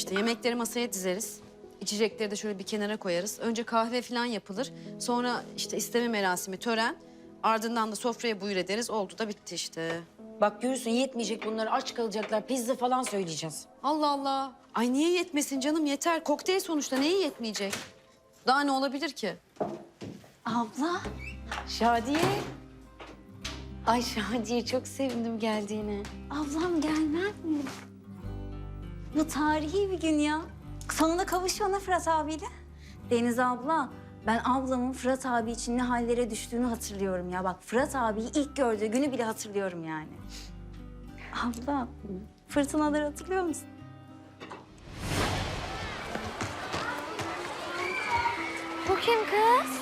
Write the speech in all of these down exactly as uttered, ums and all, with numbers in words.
İşte yemekleri masaya dizeriz. İçecekleri de şöyle bir kenara koyarız. Önce kahve falan yapılır. Sonra işte isteme merasimi, tören. Ardından da sofraya buyur ederiz. Oldu da bitti işte. Bak görürsün yetmeyecek bunlar, aç kalacaklar. Pizza falan söyleyeceğiz. Allah Allah. Ay niye yetmesin canım, yeter. Kokteyl sonuçta, neyi yetmeyecek? Daha ne olabilir ki? Abla. Şadiye. Ay Şadiye, çok sevindim geldiğine. Ablam gelmez mi? Bu tarihi bir gün ya. Sonunda kavuşuyor Fırat abiyle. Deniz abla, ben ablamın Fırat abi için ne hallere düştüğünü hatırlıyorum ya. Bak Fırat abiyi ilk gördüğü günü bile hatırlıyorum yani. Abla, fırtınaları hatırlıyor musun? Bu kim kız?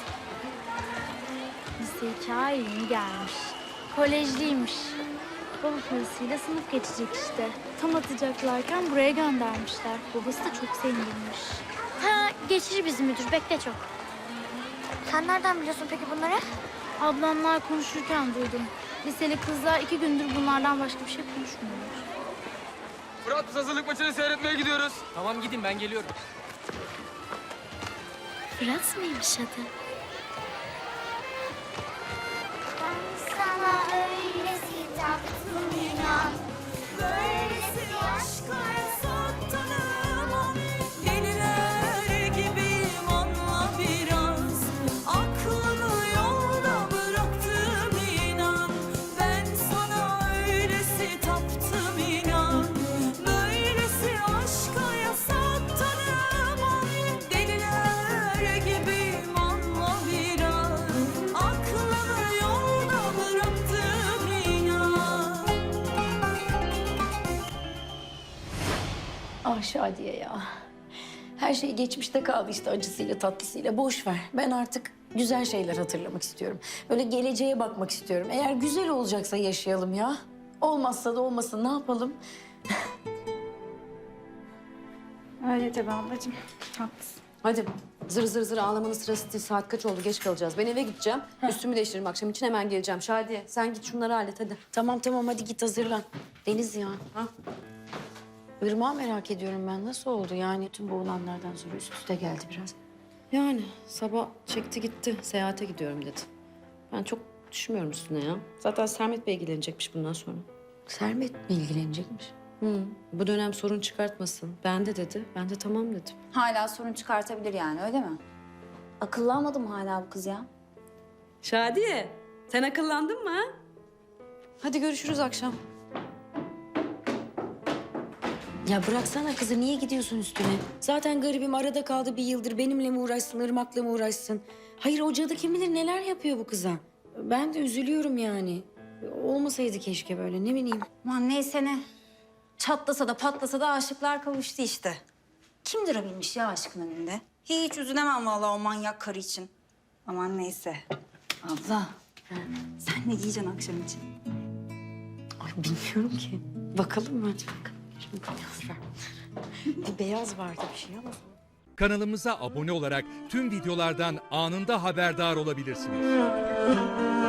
Lise iki ay yeni gelmiş. Kolejliymiş. Baba parasıyla sınıf geçecek işte. Tam atacaklarken buraya göndermişler. Babası da çok sevindirmiş. Ha, geçici bizim müdür. Bekle çok. Sen nereden biliyorsun peki bunları? Ablamlar konuşurken duydum. Liseli kızlar iki gündür bunlardan başka bir şey konuşmuyorlar. Fırat, biz hazırlık maçını seyretmeye gidiyoruz. Tamam gidin, ben geliyorum. Fırat mıymış adı? Ben sana öylesi taktım inan. Böylesi aşklara Tanımam, deliler gibiyim anla biraz. Aklımı yolda bıraktım inan. Ben sana öylesi taptım inan. Böylesi aşka yasak tanımam. Deliler gibiyim anla biraz. Aklımı yolda bıraktım inan. Ah Şadiye ya. Her şey geçmişte kaldı işte, acısıyla tatlısıyla. Boş ver. Ben artık güzel şeyler hatırlamak istiyorum. Böyle geleceğe bakmak istiyorum. Eğer güzel olacaksa yaşayalım ya. Olmazsa da olmasın, ne yapalım? Öyle tabii ablacığım. Haklısın. Hadi zır zır zır ağlamanın sırası değil. Saat kaç oldu? Geç kalacağız. Ben eve gideceğim. Üstümü değiştiririm akşam için, hemen geleceğim. Şadiye sen git şunları hallet hadi. Tamam tamam, hadi git hazırlan. Deniz ya. Ha? Irmak'ı merak ediyorum ben. Nasıl oldu yani? Tüm bu olanlardan sonra üst üste geldi biraz. Yani sabah çekti gitti. Seyahate gidiyorum dedi. Ben çok düşmüyorum üstüne ya. Zaten Sermet Bey ilgilenecekmiş bundan sonra. Sermet mi ilgilenecekmiş? Hı. Bu dönem sorun çıkartmasın. Ben de dedi. Ben de tamam dedim. Hala sorun çıkartabilir yani, öyle mi? Akıllanmadı mı hala bu kız ya? Şadiye sen akıllandın mı ha? Hadi görüşürüz akşam. Ya bıraksana kızı, niye gidiyorsun üstüne? Zaten garibim arada kaldı bir yıldır. Benimle mi uğraşsın, Irmak'la mı uğraşsın? Hayır, o cadı kim bilir neler yapıyor bu kıza. Ben de üzülüyorum yani. Olmasaydı keşke böyle, ne bileyim. Aman neyse ne. Çatlasa da patlasa da aşıklar kavuştu işte. Kim durabilmiş ya aşkın önünde? Hiç üzülemem vallahi o manyak karı için. Aman neyse. Abla, sen ne giyeceksin akşam için? Ay bilmiyorum ki. Bakalım mı? Hadi bakalım. Şimdi beyaz var. Bir beyaz vardı bir şey ama. Kanalımıza abone olarak tüm videolardan anında haberdar olabilirsiniz.